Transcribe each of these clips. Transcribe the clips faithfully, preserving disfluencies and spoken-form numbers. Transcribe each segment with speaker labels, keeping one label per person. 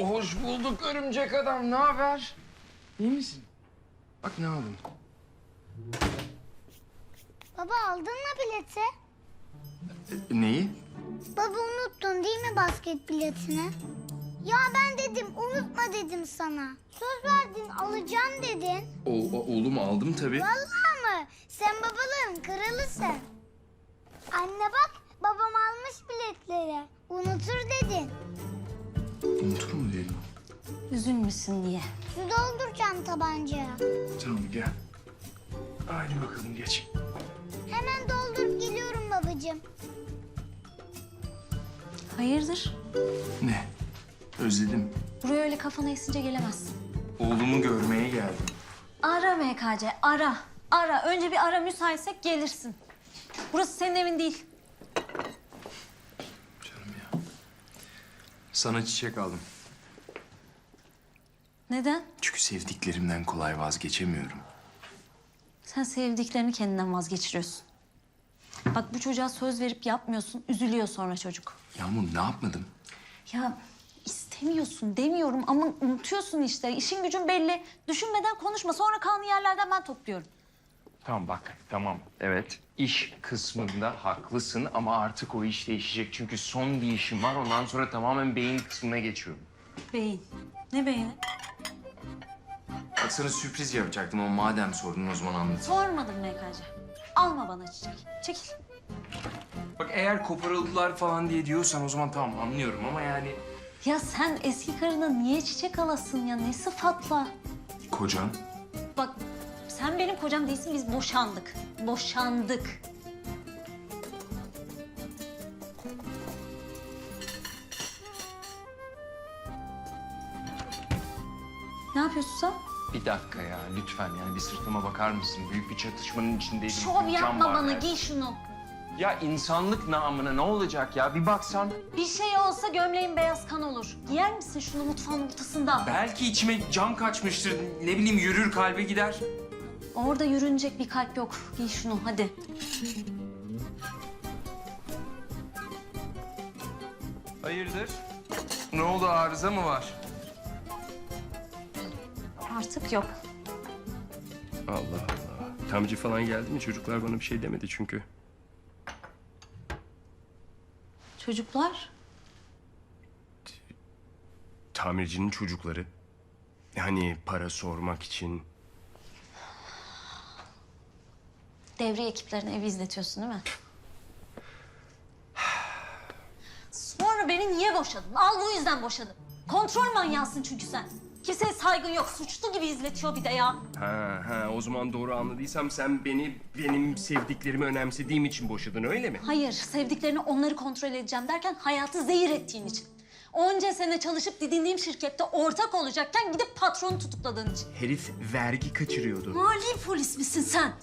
Speaker 1: Hoş bulduk örümcek adam. Ne haber? İyi misin? Bak ne aldım.
Speaker 2: Baba aldın mı bileti?
Speaker 1: E, neyi?
Speaker 2: Baba unuttun değil mi basket biletini? Ya ben dedim unutma dedim sana. Söz verdin alacağım dedin.
Speaker 1: O, o- oğlum aldım tabii.
Speaker 2: Vallahi mı? Sen babaların kralısın. Anne bak babam almış biletleri. Unutur dedin.
Speaker 1: Unutur mu dedim?
Speaker 2: Üzülmüşsün diye. Su dolduracağım tabancaya.
Speaker 1: Tamam gel. Haydi bakalım geç.
Speaker 2: Hemen doldurup geliyorum babacığım.
Speaker 3: Hayırdır?
Speaker 1: Ne? Özledim.
Speaker 3: Buraya öyle kafana esince gelemezsin.
Speaker 1: Oğlumu görmeye geldim.
Speaker 3: Ara M K C, ara. Ara. Önce bir ara, müsaitsek gelirsin. Burası senin evin değil.
Speaker 1: Canım ya. Sana çiçek aldım.
Speaker 3: Neden?
Speaker 1: Çünkü sevdiklerimden kolay vazgeçemiyorum.
Speaker 3: Sen sevdiklerini kendinden vazgeçiriyorsun. Bak bu çocuğa söz verip yapmıyorsun, üzülüyor sonra çocuk.
Speaker 1: Yağmur ne yapmadım?
Speaker 3: Ya istemiyorsun demiyorum ama unutuyorsun işte. İşin gücün belli. Düşünmeden konuşma. Sonra kanlı yerlerden ben topluyorum.
Speaker 1: Tamam bak, tamam. Evet, iş kısmında haklısın ama artık o iş değişecek. Çünkü son bir işim var, ondan sonra tamamen beyin kısmına geçiyorum.
Speaker 3: Beyin. Ne beyni?
Speaker 1: Bak sana sürpriz yapacaktım ama madem sordun o zaman anlat.
Speaker 3: Sormadım M K C. Alma bana çiçek. Çekil.
Speaker 1: Bak eğer koparıldılar falan diye diyorsan o zaman tamam anlıyorum ama yani...
Speaker 3: Ya sen eski karına niye çiçek alasın ya? Ne sıfatla?
Speaker 1: Kocan?
Speaker 3: Bak sen benim kocam değilsin, biz boşandık. Boşandık. Ne yapıyorsun sen?
Speaker 1: Bir dakika ya lütfen yani bir sırtıma bakar mısın? Büyük bir çatışmanın içindeydim.
Speaker 3: Şov
Speaker 1: Bir
Speaker 3: yapma
Speaker 1: can var
Speaker 3: bana,
Speaker 1: yani.
Speaker 3: giy şunu.
Speaker 1: Ya insanlık namına ne olacak ya? Bir baksan.
Speaker 3: Bir şey olsa gömleğin beyaz kan olur. Giyer misin şunu mutfağın ortasında?
Speaker 1: Belki içime cam kaçmıştır. Ne bileyim yürür kalbe gider.
Speaker 3: Orada yürünecek bir kalp yok. Giy şunu hadi.
Speaker 1: Hayırdır? Ne oldu arıza mı var?
Speaker 3: Artık yok.
Speaker 4: Allah Allah. Tamirci falan geldi mi? Çocuklar bana bir şey demedi çünkü.
Speaker 3: Çocuklar?
Speaker 4: Tamircinin çocukları. Hani para sormak için.
Speaker 3: Devriye ekiplerine evi izletiyorsun değil mi? Sonra beni niye boşadın? Al bu yüzden boşadım. Kontrol manyağısın çünkü sen. Kimseye saygın yok. Suçlu gibi izletiyor bir de ya.
Speaker 4: Ha ha o zaman doğru anladıysam sen beni benim sevdiklerimi önemsediğim için boşadın öyle mi?
Speaker 3: Hayır, sevdiklerini onları kontrol edeceğim derken hayatı zehir ettiğin için. Onca sene çalışıp didindiğim şirkette ortak olacakken gidip patronu tutukladığın için.
Speaker 4: Herif vergi kaçırıyordu.
Speaker 3: Mali polis misin sen?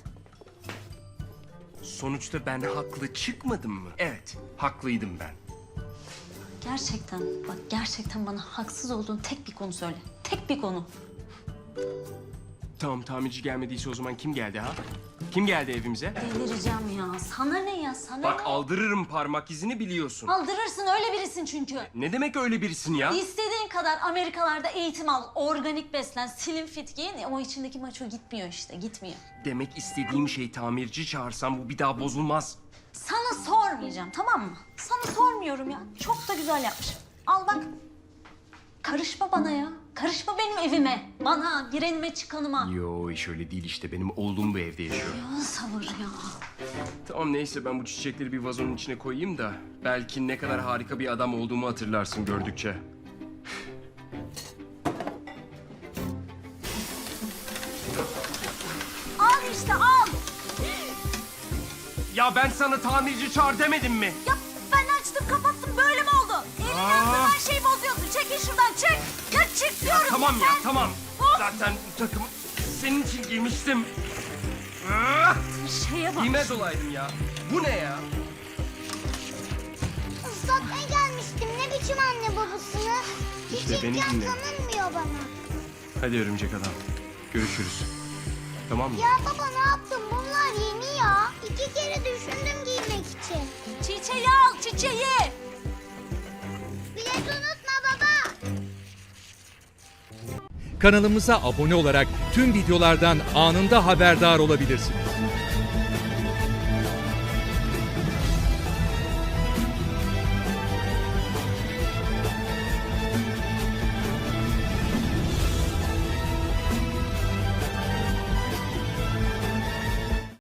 Speaker 4: Sonuçta ben haklı çıkmadım mı? Evet, haklıydım ben.
Speaker 3: Gerçekten, bak gerçekten bana haksız olduğun tek bir konu söyle. Tek bir konu.
Speaker 4: Tamam tamirci gelmediyse o zaman kim geldi ha? Kim geldi evimize?
Speaker 3: Delireceğim ya. Sana ne ya, sana
Speaker 4: Bak
Speaker 3: ne?
Speaker 4: aldırırım parmak izini biliyorsun.
Speaker 3: Aldırırsın, öyle birisin çünkü.
Speaker 4: Ne demek öyle birisin ya?
Speaker 3: İstediğin kadar Amerikalarda eğitim al, organik beslen, slim fit giyin. O içindeki maço gitmiyor işte, gitmiyor.
Speaker 4: Demek istediğim şey tamirci çağırsam bu bir daha bozulmaz.
Speaker 3: Sana sormayacağım, tamam mı? Sana sormuyorum ya. Çok da güzel yapmışım. Al bak. Karışma bana ya. Karışma benim evime. Bana, girenime, çıkanıma.
Speaker 4: Yo iş öyle değil işte benim oğlum bu evde yaşıyor.
Speaker 3: Ya sabır ya.
Speaker 4: Tamam neyse ben bu çiçekleri bir vazonun içine koyayım da belki ne kadar harika bir adam olduğumu hatırlarsın gördükçe.
Speaker 3: Al işte al.
Speaker 4: Ya ben sana tamirci çağır demedim mi?
Speaker 3: Ya ben açtım kapattım böyle mi oldu? Evin yaptığın her şeyi bozuyorsun. Çekil şuradan çık. Ya çık diyorum.
Speaker 4: Tamam ya
Speaker 3: sen.
Speaker 4: tamam.
Speaker 3: Of.
Speaker 4: Zaten bu takımı senin için giymiştim. Ah!
Speaker 3: Şeye bak.
Speaker 4: Giymez olaydım ya. Bu ne ya?
Speaker 2: Islatmaya gelmiştim. Ne biçim anne babasını?
Speaker 4: İşte
Speaker 2: Hiç
Speaker 4: beni
Speaker 2: imkan
Speaker 4: dinle.
Speaker 2: tanınmıyor bana.
Speaker 4: Hadi örümcek adam. Görüşürüz. Tamam mı?
Speaker 2: Ya baba ne yaptın? Bunlar yeni ya. İki kere düşündüm giymek için.
Speaker 3: Çiçeği al çiçeği.
Speaker 2: Bilet unutma baba.
Speaker 5: Kanalımıza abone olarak tüm videolardan anında haberdar olabilirsiniz.